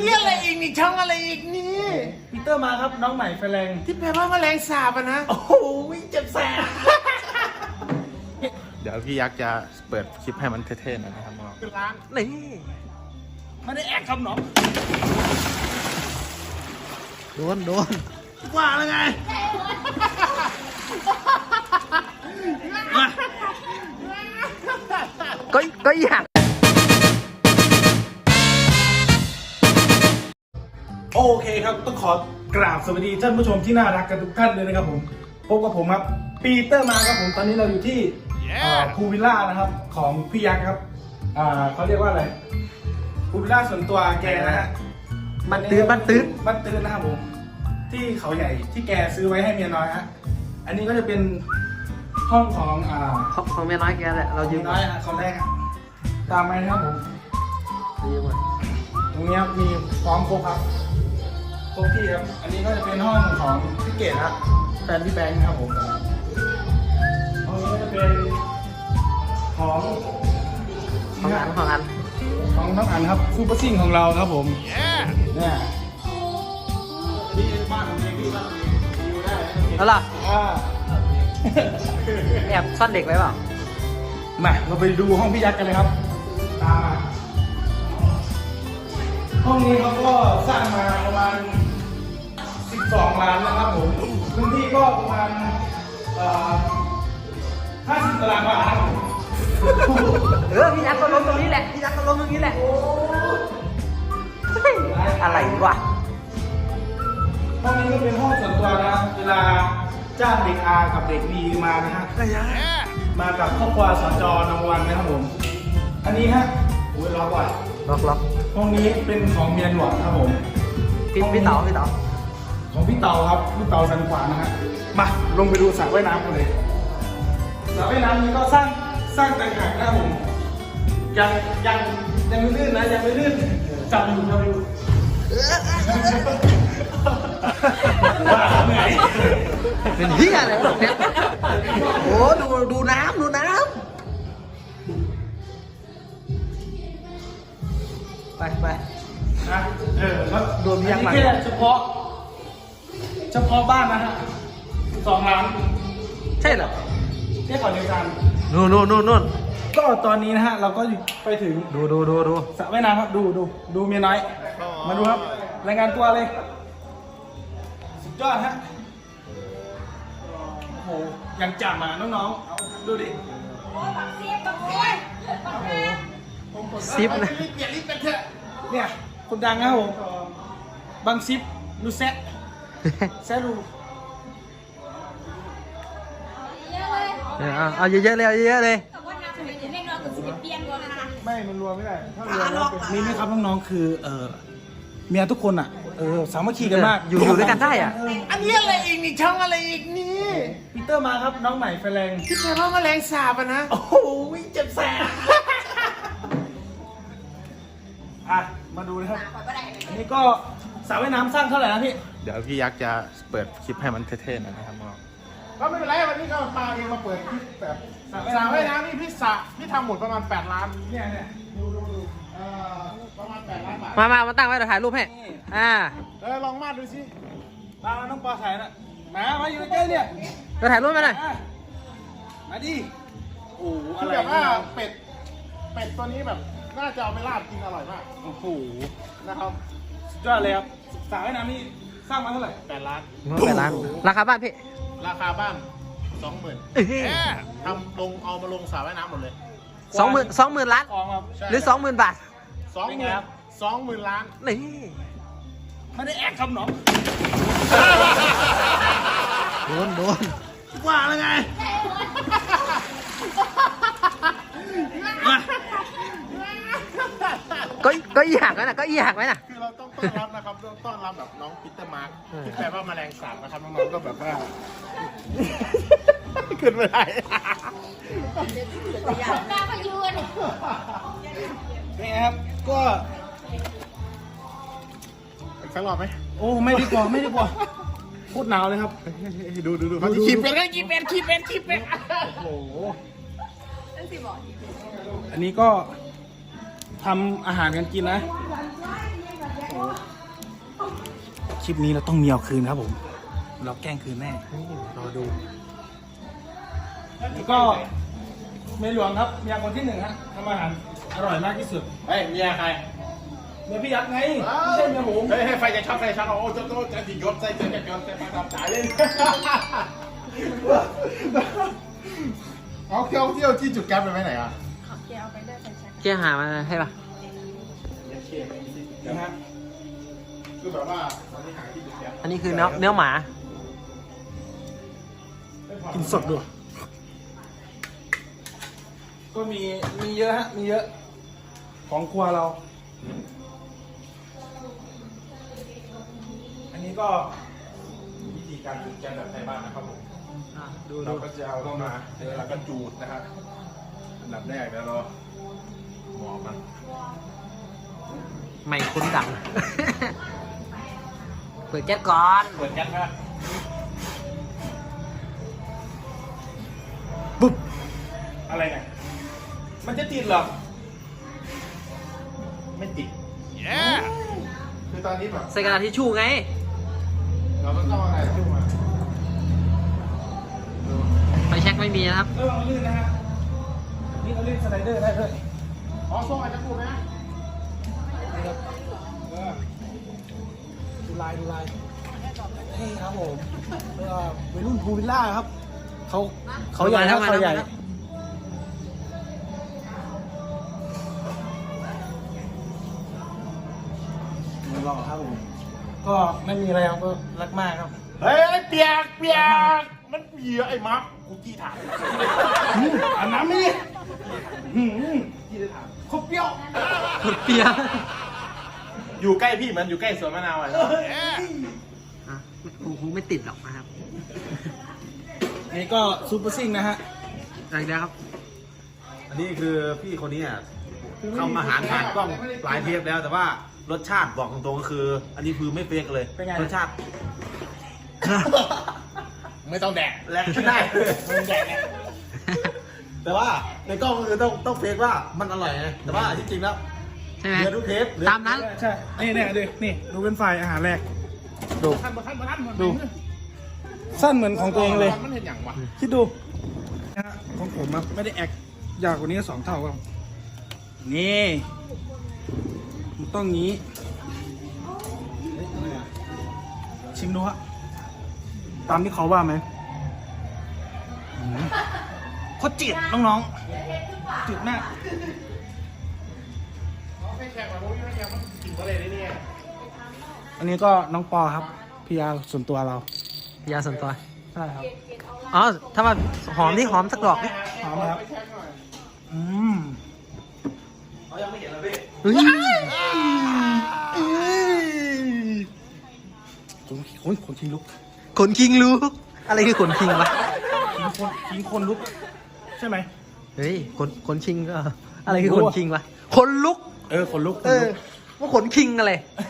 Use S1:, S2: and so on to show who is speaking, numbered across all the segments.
S1: นี้อะไรอีกนี่ช่องอะไรอีกนี่
S2: ปีเตอร์มาครับน้องใหม่ไฟแรง
S1: ที่แปลว่าแมลงสาบอะนะ
S2: โอ้โหเจ็บแสบ
S3: เดี๋ยวพี่ยักษ์จะเปิดคลิปให้มันเท่ๆหน่อยนะครับน้อง
S1: คือร้าน
S3: นี่
S2: ไม่ได้แอกครับน้อง
S3: โดน
S2: ว่าแล้วไงมา
S3: ก็อยาก
S2: โอเคครับต้องขอกราบสวัสดีท่านผู้ชมที่น่ารักกันทุกท่านเลยนะครับผมพบกับผมครับปีเตอร์มาครับผมตอนนี้เราอยู่ที่พูลวิลล่านะครับของพี่ยักษ์ครับเขาเรียกว่าอะไรพูลวิลล่าส่วนตัวแกนะฮะ
S3: มันตื้น
S2: บ้านตื้นนะครับผมที่เขาใหญ่ที่แกซื้อไว้ให้เมียน้อยฮะอันนี้ก็จะเป็นห้องของ
S3: ของเมียน้อยแกแหละเรายื
S2: เมี
S3: ม
S2: ยน้อยฮะคนแรกฮะตามไปนะครับผม
S3: ยืมมา
S2: ตรงนี้มีพร้อมครบครับครบที่ครับอันนี้ก็จะเป็นห้องของพี่เกดครับแฟนพี่แบงค์ครับผมห้องนี้ก็จะเป็นของ
S3: ของอัน
S2: ของน้องอันครับซูเปอร์ซิ่งของเราครับผมเนี่ยนี่บ้านของเองพี่บ้านของเองอยู่ได้
S3: แล้วล่ะ
S2: อ่า
S3: แอบซ่อนเด็กไว้เปล่า
S2: มาเราไปดูห้องพี่ยักษ์กันเลยครับตามมาห้องนี้เขาก็สร้างมาประมาณ12 ล้านนะครับผมพื้นที่ก็ประมาณ50 ตารางวาครับผม
S3: พี่ยักษ์ก็ล้มตรงนี้แหละพี่ยักษ์ก็ล้มตรงนี้แหละอะไรวะ
S2: ห้องนี้ก็เป็นห้องส่วนตัวนะเวลาจ้างเด็กอากับเด็กบีมานะฮะมากับครอบครัวสจนวันนะครับผมอันนี้ฮะโอ้ยล็อกว่ะ
S3: ล็อก
S2: ห้องนี้เป็นของเมียหลวงครับผม
S3: พี่เต๋า
S2: ของพี่เตาครับพี่เตาสันขวานนะฮะมาลงไปดูสระว่ายน้ำกันเลยสระว่ายน้ำนี้ก็สร้างต่างหากนะครับผมยังไม่ลื่นนะยังไม่ลื่นจับอยู่ว่าเหนื่อย
S3: เป็นเฮียอะไรวะเนี่ยโอ้ดูน้ำไป
S2: นะแล้ว
S3: โดนยักษ์หลัง
S2: อัแค่เฉพาะบ้านนะฮะ2 ล้าน
S3: ใช่เหรอ
S2: แค่ก่อนเดียวกัน
S3: นู่น
S2: ก็ตอนนี้นะฮะเราก็ไปถึง
S3: ดู
S2: สระว่ายน้ำครับดูเมียน้อยมาดูครับรายงานตัวเลยสุดยอดฮะโอ้โหยังจับมาน้องๆดูดิ
S3: ซิปนะ
S1: เปลี่ยนลิฟต์กันเถอะ
S2: เนี่ยคนดังนะครับผมบางซิปดูแซะดู
S3: เอาเยอะๆเลย
S2: ไม่มันรวมไม่ได้ถ้ารวมแล้วนี่ไหมครับน้องๆคือเมียทุกคนอ่ะสามัคคีกันมาก
S3: อยู่ด้วยกันได้อ่ะ
S1: อันนี้อะไรอีกนี่ช่องอะไรอีกนี่
S2: ปีเตอร์มาครับน้องใหม่ไฟแรง
S1: ที่แปลว่าแมลงสาบอะนะ
S2: โอ้โหเจ็บแสบอ่ะมาดูนะครับอันนี้ก็สระว่ายน้ำสร้างเท่าไหร่นะพี่
S3: เดี๋ยวพี่ยักษ์จะเปิดคลิปให้มันเท่ๆหน่อยนะครับน้อง
S1: ก็ไม่เป็นไรวันนี้ก็พาเองมาเปิดคลิปแบบ
S2: สระ
S1: สระ
S2: ว่า
S1: ว่าย ย
S2: น้ำ
S1: น้ำนี่พี่ทำหมดประมาณ8 ล้าน
S2: เนี่ยดู
S1: ประมาณ8 ล้านบาท
S3: มาตั้งไว้เดี๋ยวถ่ายรูปให้
S1: ลองมาดดูสิ
S2: มาน้องปอถ่ายนะมาอยู่ใกล้เนี่ย
S3: เดี๋ยวถ่ายรูปมาหน่อย
S2: มาดิโอ้โห
S1: คื
S2: อะ
S1: อ
S2: ไร
S1: แบบว่าเป็ดตัวนี้แบบน่าจะเอาไปลาบกินอร่อยมาก
S2: โอ้โห
S1: นะครับ
S2: สุดยอดเลยครับสระว่ายน้ำนี่สร้างมาเท่าไหร่
S1: 8 ล้าน
S3: 8 ล้านราคาบ้านพี่
S1: ราคาบ้าน 20,000ทำเอามาลงสระว่ายน้ำหมดเลย
S3: 20,000 ล้าน
S2: กองครับ
S3: หรือ 20,000 บาท
S1: 20,000 ล้าน
S3: นี่
S2: ไม่ได้แอกครับน้อง
S3: โดน
S2: ว่าแล้วไงมา
S3: ก็อีหักไว้นะ
S1: คือเราต้องต้อนรับนะครับต้อนรับแบบน้องปีเตอร์มาร์คที่แปลว่าแมลงสาบนะครับน้องๆก็แบบว่าขึ้นไม่ได้
S2: นี่ครับก็
S1: อีกสักรอบไหม
S2: โอ้ไม่ดีกว่าโคตรหนาวเลยครับ
S1: ดูขีดเป็น
S2: โอ้โหอันนี้ก็ทำอาหารกันกินนะคลิปนี้เราต้องมีเอาคืนครับผม เราแกล้งคืนแน่รอดูแล้วก็เมียหลวงครับเมียคนที่หนึ่งฮะทำอาหารอร่อยมากที่สุด
S1: เฮ้ยเมียใคร
S2: เมียพี่ยักษ์ไงไม่ใช่เมียผม
S1: เฮ้ยให้ไฟจะช็อตไฟช็อตโอ้โจจะดิยศใส่เจอจะยศใส่ไฟทำจ่ายเลยเอาเที่ยวที่จุดแก๊ปไปไหนอ่ะ
S4: เกียร์เอาไปได้ไฟแช็ก
S3: เจ๊หามาให้ป่ะ
S2: นะฮะ
S1: คือแบบว่าตอนนี้หาที่จุดแก๊ป
S3: อันนี้คือเนื้อหมา
S2: กินสดด้วยก็มีเยอะฮะมีเยอะของครัวเรา อันนี้ก็วิธีการจุดแก๊สแบบไทยบ้านนะครับผมเราก็จะเอาเข้ามาแล้วก็จูดนะครับอันดับแรกแล้วเราหมอมัน
S3: ไม่คุ้นดัง เปิดแก๊สก่อน
S2: เปิดแก๊สนะปุ๊บอะไรเนี่ยมันจะติดเหรอ
S1: ไม่ติดคือตอนนี้แบบ
S3: ใส่กระดาษทิชชู่ไง
S1: เราก็ต้องอะไรจุ่มมา
S3: ไฟแช็กไม่มีนะครับ
S2: ระวังลื่นนะฮะนี่เราลื่นสไลเดอร์ได้ด้วย
S1: อ๋อส่งอาจจะพูดนะ
S2: ดูลายนี่ครับผมวัยรุ่นพูลวิลล่าครับเขาใหญ่ครับเขาใหญ่ลองครับผมก็ไม่มีอะไรครับก็รักมากครับ
S1: เฮ้ยเปียกมันเปียกไอ้มาร์คกูจี้ถาม
S2: อันน้ำนี่ที่ได้ถามเขาเปรี้ยว
S3: หมดเปียก
S1: อยู่ใกล้พี่เหมือนอยู่ใกล้สวนมะนาวอ่ะ
S3: อ่ะคงไม่ติดหรอกนะครับ
S2: นี่ก็ซูเปอร์ซิ่งนะฮะ
S3: อะไรนะครับ
S5: อันนี้คือพี่คนนี้อ่ะทำอาหารผ่านกล้องหลายเทปแล้วแต่ว่ารสชาติบอกตรงๆก็คือ อันนี้คือไม่เฟกเลย
S2: เป็นไง
S5: รสชาติ
S1: ไม่ต้องแดก
S5: แลกได้
S1: ไม่แดกเนี่ย
S5: แต่ว่าในกล้องก็คือต้องเฟกว่ามันอร่อยไงแต่ว่าที่จริงแล้ว
S3: ใช่ไหม
S5: เนื้อทุกเทป
S3: ตามนั้น
S2: ใช่นี่ดูนี่ดูเป็นไฟอาหารแรกดู
S1: ท่าน
S2: ดู สั้นเหมือนของตัวเองเลย
S1: มันเห็นอย่างวะ
S2: คิดดูนะฮะของผมอะไม่ได้แอคยาวกว่านี้2 เท่าครับนี่มันต้องงี้ชิมดูฮะตามที่เขาว่าไหมโคตรจืดน้องๆจืดมาก
S1: ไม่แขกมาโม้ยไม่แขกมันกินอะไรได้เนี่ย
S2: อันนี้ก็น้องปอครับพีอาส่วนตัวเรา
S3: ยาส่วนตัว
S2: ใช่ครับ
S3: อ๋อ ถ้ามาหอมนี่หอมสักดอกดิ
S2: หอมไหมครับ
S1: ไปแขกหน่อย
S2: อืม
S5: เขายังไม่เห็นเลยพี่
S3: เฮ้ย
S2: คนคิงลุก
S3: ขนคิงรู้ อะไรคือขนคิงวะ
S2: คิงคนลุก ใช่ไหม
S3: เฮ้ยขนคิงก็ อะไรคือขนคิงวะ ขนลุก
S2: คนลุก
S3: เออ ว่าขนคิงอะไร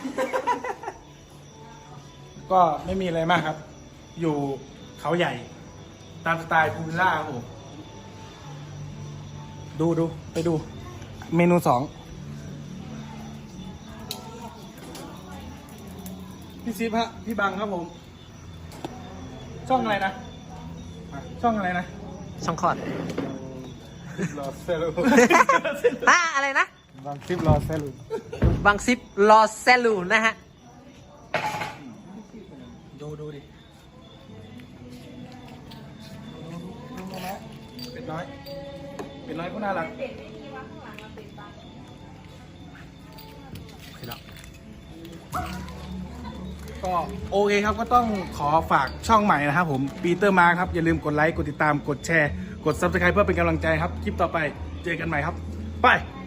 S2: ก็ไม่มีอะไรมากครับ อยู่เขาใหญ่ ตามสไตล์พูลวิลล่าครับผมดูไปดู เมนู 2พี่ซิฟฮะพี่บังครับผม ช่องอะไรนะช่องอะไรนะ
S3: ช่องคลอด
S2: รอเซลู
S3: อ่ะอะไรนะ
S2: บังซิฟรอเซลู
S3: บางซิปรอแซลูนะฮะ
S2: ดูดิเป็ดน้อยก็น่ารักก็โอเคครับก็ต้องขอฝากช่องใหม่นะครับผมปีเตอร์มาครับอย่าลืมกดไลค์กดติดตามกดแชร์กด Subscribe เพื่อเป็นกำลังใจครับคลิปต่อไปเจอกันใหม่ครับไป